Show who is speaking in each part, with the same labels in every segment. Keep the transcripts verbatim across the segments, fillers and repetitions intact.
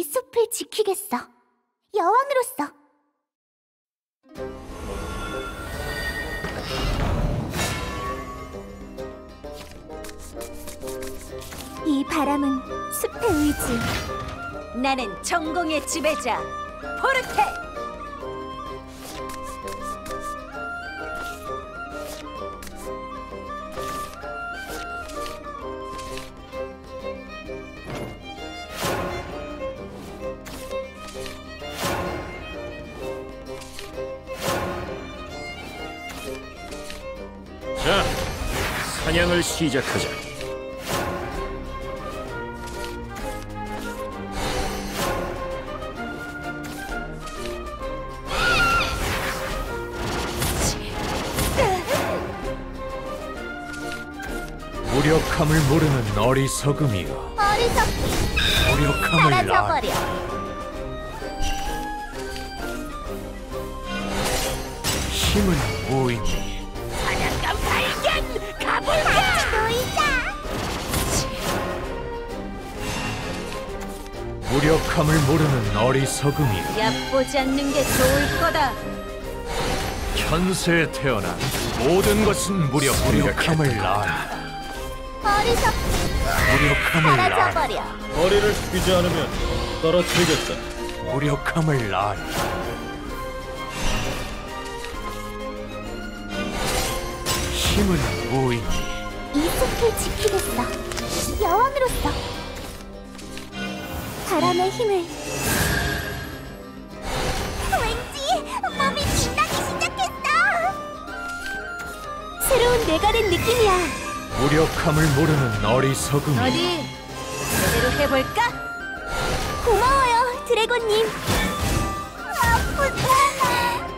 Speaker 1: 숲을 지키겠어. 여왕으로서. 이 바람은 숲의 의지.
Speaker 2: 나는 전공의 지배자 포르테.
Speaker 3: 자, 사냥을 시작하자.
Speaker 4: 무력함을 모르는 어리석음이여.
Speaker 1: 어리석기.
Speaker 4: 무력함을
Speaker 1: 사라져버려.
Speaker 4: 힘은 무의미.
Speaker 2: 사냥감 발견! 가볼까!
Speaker 1: 놀자.
Speaker 4: 무력함을 모르는 어리석음이여.
Speaker 2: 얕보지 않는 게 좋을 거다.
Speaker 4: 현세에 태어난 모든 것은 무력, 무력함을 낳아.
Speaker 1: 어리석기.
Speaker 4: 무력함을 낳아.
Speaker 1: 사라져버려.
Speaker 3: 거리를 숙이지 않으면 떨어뜨리겠다.
Speaker 4: 무력함을 낳아. 힘은 무의미.
Speaker 1: 이 숲을 지키겠어. 여왕으로서. 바람의 힘을. 왠지 몸이 빛나기 시작했어. 새로운 내가 된 느낌이야.
Speaker 4: 무력함을 모르는 어리석음이.
Speaker 2: 어디 제대로 해볼까?
Speaker 1: 고마워요, 드래곤님. 아프잖아.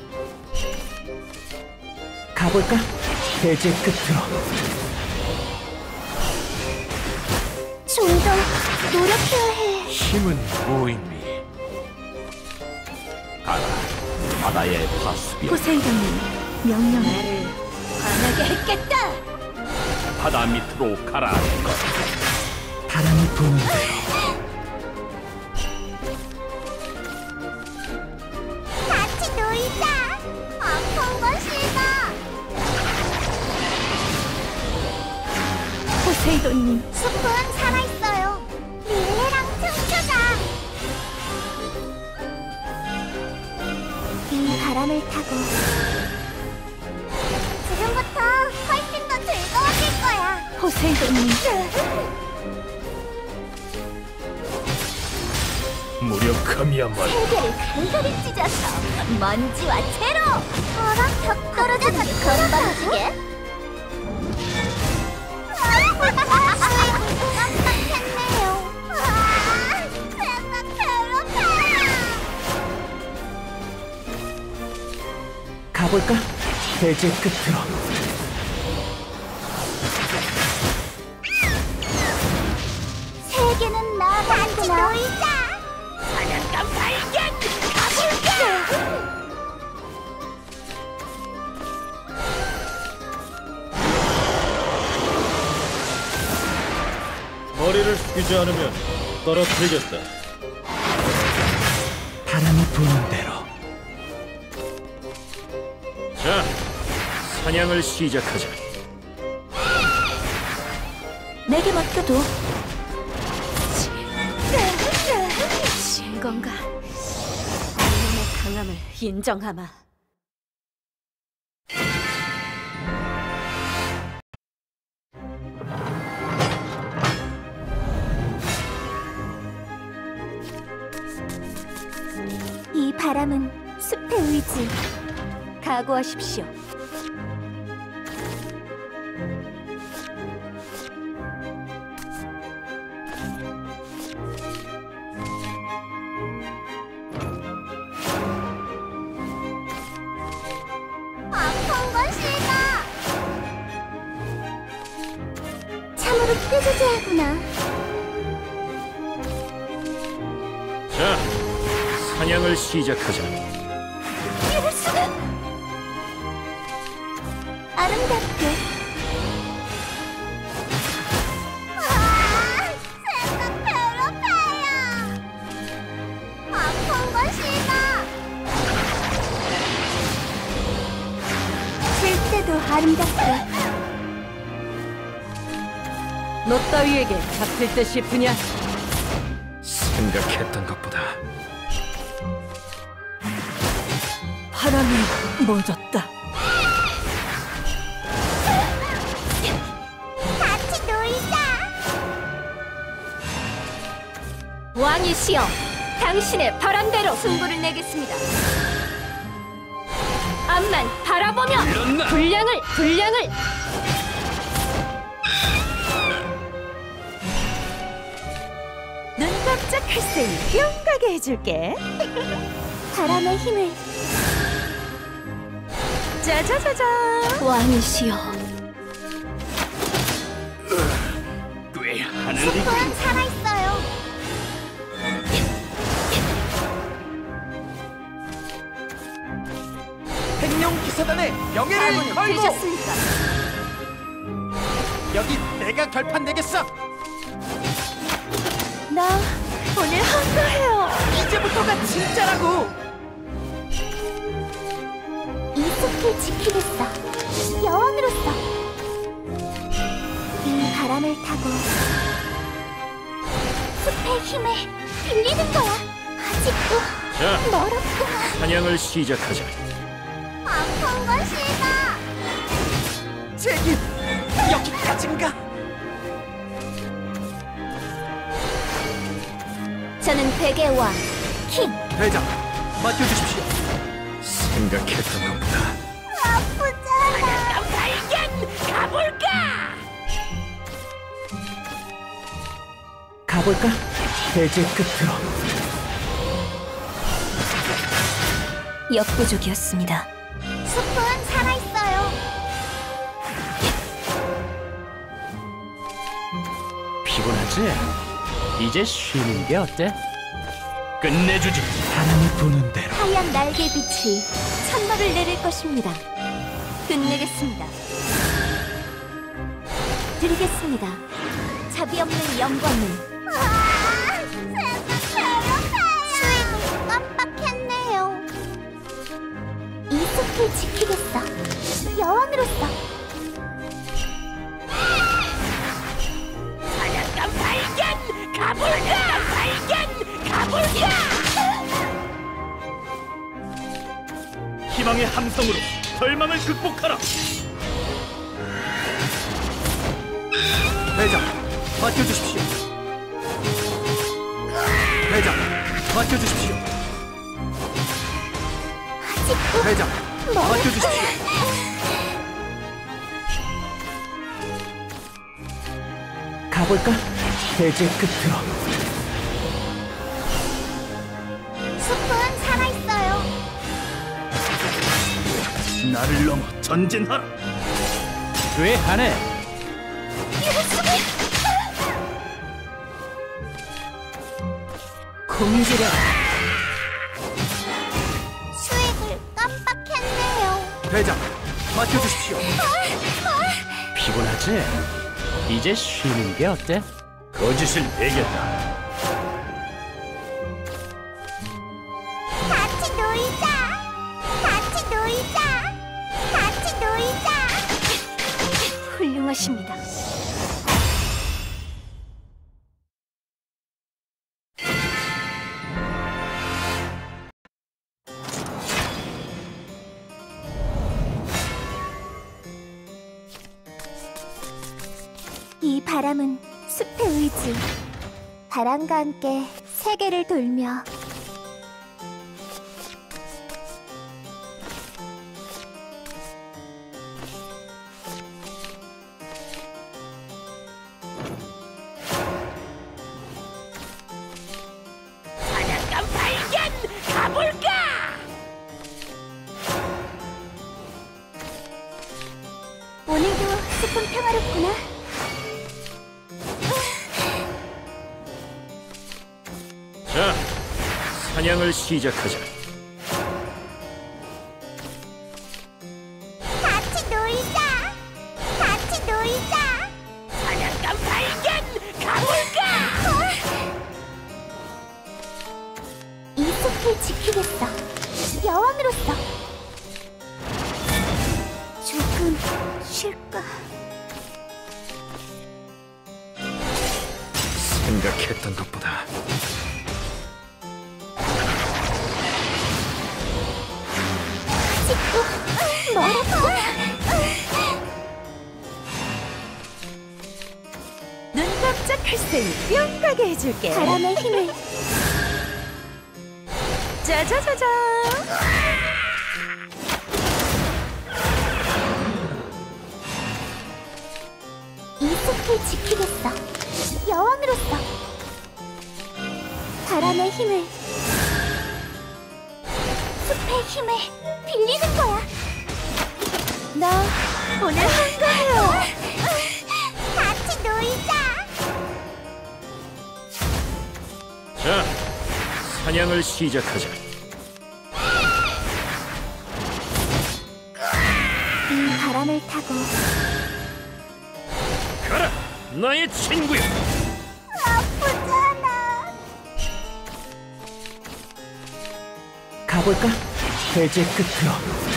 Speaker 4: 가볼까? 대제 끝으로.
Speaker 1: 좀 더 노력해야 해.
Speaker 4: 힘은 무의미.
Speaker 3: 가라, 바다의 파수비여.
Speaker 1: 포세이돈님, 명령.
Speaker 2: 나를 화나게 했겠다.
Speaker 3: 바다 밑으로 가라.
Speaker 4: 바람이 부는 대로.
Speaker 1: 같이 놀자. 아픈 건 싫어.
Speaker 2: 포세이돈님,
Speaker 1: 숲은 살아있어요. 릴레랑 춤추자. 이 바람을 타고 지금부터 훨씬 더 즐거워질 거야.
Speaker 2: 포세이돈님.
Speaker 4: 무력함이야말로.
Speaker 1: 세계를 간간히 찢어서 먼지와 채로. 어라? 벽 떨어져서 건방지게. 깜빡했네요. 아, 배가 괴롭혀요.
Speaker 4: 가볼까? 대제 끝으로.
Speaker 1: 세계는 나만구나. 같이 놀자.
Speaker 2: 사냥감 발견! 가볼까!
Speaker 3: 거리를 숙이지 않으면 떨어뜨리겠다.
Speaker 4: 바람이 부는 대로.
Speaker 3: 자, 사냥을 시작하자.
Speaker 1: 내게 맡겨도.
Speaker 2: 진 건가? 이놈의 강함을 인정하마.
Speaker 1: 이 바람은 숲의 의지.
Speaker 2: 각오하십시오.
Speaker 1: 아픈 건 싫어. 참으로 꾀조재하구나.
Speaker 3: 자, 사냥을 시작하자.
Speaker 1: 이럴 수가. 아름답게. 아, 생각 괴롭혀요.
Speaker 2: 오늘도 아름답다. 너 따위에게 잡힐 듯 싶으냐?
Speaker 3: 생각했던 것보다
Speaker 2: 바람이 멎었다.
Speaker 1: 같이 놀자.
Speaker 2: 왕이시여, 당신의 바람대로 승부를 내겠습니다. 앞만 바라보며
Speaker 3: 일어나!
Speaker 2: 분량을 분량을 눈 깜짝할 새이 뿅 가게 해줄게.
Speaker 1: 바람의 힘을.
Speaker 2: 짜자자자. 왕이시여,
Speaker 3: 꽤 하는
Speaker 1: 숲은 살아있어요.
Speaker 5: 행룡 기사단의 명예를
Speaker 2: 아무는
Speaker 5: 걸고
Speaker 2: 되셨습니까?
Speaker 5: 여기 내가 결판 내겠어.
Speaker 2: 나 오늘 한가해요.
Speaker 5: 이제부터가 진짜라고.
Speaker 1: 이 숲을 지키겠어. 여왕으로서. 이 바람을 타고 숲의 힘을 빌리는 거야. 아직도
Speaker 3: 자,
Speaker 1: 멀었구나.
Speaker 3: 사냥을 시작하자.
Speaker 1: 아픈 건 싫다.
Speaker 5: 제기 여기까지인가?
Speaker 1: 저는 백의 왕 킹.
Speaker 5: 대장 맡겨주십시오.
Speaker 3: 생각했던 것보다
Speaker 1: 아프잖아.
Speaker 5: 가볼까? 대제 끝으로.
Speaker 2: 역부족이었습니다.
Speaker 1: 숲은 살아있어요.
Speaker 4: 피곤하지? 이제 쉬는 게 어때?
Speaker 3: 끝내주지.
Speaker 5: 바람이 부는 대로.
Speaker 1: 하얀 날개빛이 천막을 내릴 것입니다.
Speaker 2: 끝내겠습니다.
Speaker 1: 드리겠습니다. 자비 없는 영광을. 수익을 깜빡했네요. 이 숲을 지키겠어. 여왕으로서.
Speaker 2: 사냥감 발견! 가볼까! 발견! 가볼까!
Speaker 3: 희망의 함성으로 절망을 극복하라.
Speaker 5: 대장 맡겨주십시오. 대장 맡겨주십시오.
Speaker 1: 아직도
Speaker 5: 대장 맡겨주십시오. 가볼까? 대제 끝으로.
Speaker 1: 숲은 살아있어요.
Speaker 3: 나를 넘어 전진하라.
Speaker 4: 왜 하네?
Speaker 2: 공지려.
Speaker 1: 수익을 깜빡했네요.
Speaker 5: 대장 맡겨주십시오.
Speaker 4: 피곤하지? 이제 쉬는 게 어때?
Speaker 3: 거짓을 내겠다.
Speaker 1: 같이 놀자. 같이 놀자. 같이 놀자.
Speaker 2: 훌륭하십니다.
Speaker 1: 이 바람은 숲의 의지. 바람과 함께 세계를 돌며
Speaker 2: 사냥감 발견! 가볼까!
Speaker 1: 오늘도 숲은 평화롭구나.
Speaker 3: 자, 사냥을 시작하자.
Speaker 1: 같이 놀자. 같이 놀자.
Speaker 2: 사냥감 발견! 가볼까!
Speaker 1: 이 숲을 지키겠어. 여왕으로서. 조금 좀 쉴까?
Speaker 4: 생각했던 것보다
Speaker 1: 아직도 멀었어.
Speaker 2: 눈 깜짝할 새이 뿅 가게 해줄게.
Speaker 1: 바람의 힘을
Speaker 2: 짜자자자.
Speaker 1: 이 숲을 지키겠어. 여왕으로서 바람의 힘을 숲의 힘을 빌리는 거야.
Speaker 2: 나 오늘 한가해요.
Speaker 1: 같이 놀자.
Speaker 3: 자, 사냥을 시작하자.
Speaker 1: 이 바람을 타고
Speaker 3: 가라, 나의 친구야.
Speaker 1: 아프잖아.
Speaker 5: 가볼까? 대지의 끝으로.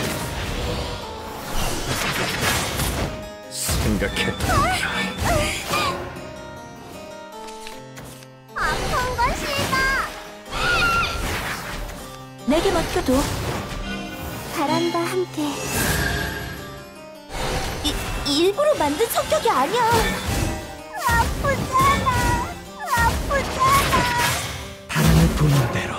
Speaker 4: 생각했던 것보다
Speaker 1: 아픈 건 싫다.
Speaker 2: 내게 맡겨둬.
Speaker 1: 바람과 함께
Speaker 2: 이, 일부러 만든 성격이 아니야.
Speaker 1: 아프잖아. 아프잖아.
Speaker 5: 바람을 부는 대로.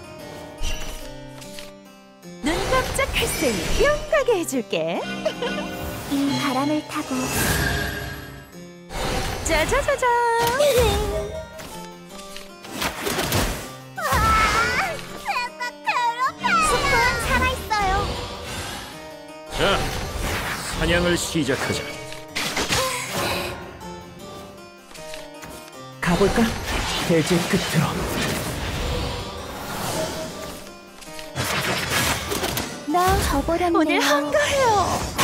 Speaker 2: 눈 깜짝할 새이 뿅 가게 해줄게.
Speaker 1: 이 바람을 타고
Speaker 2: 짜자자자.
Speaker 1: 숲은 살아있어요.
Speaker 3: 자, 사냥을 시작하자.
Speaker 5: 가볼까? 대지의 끝으로.
Speaker 1: 나 저버렸네.
Speaker 2: 오늘 한가해요.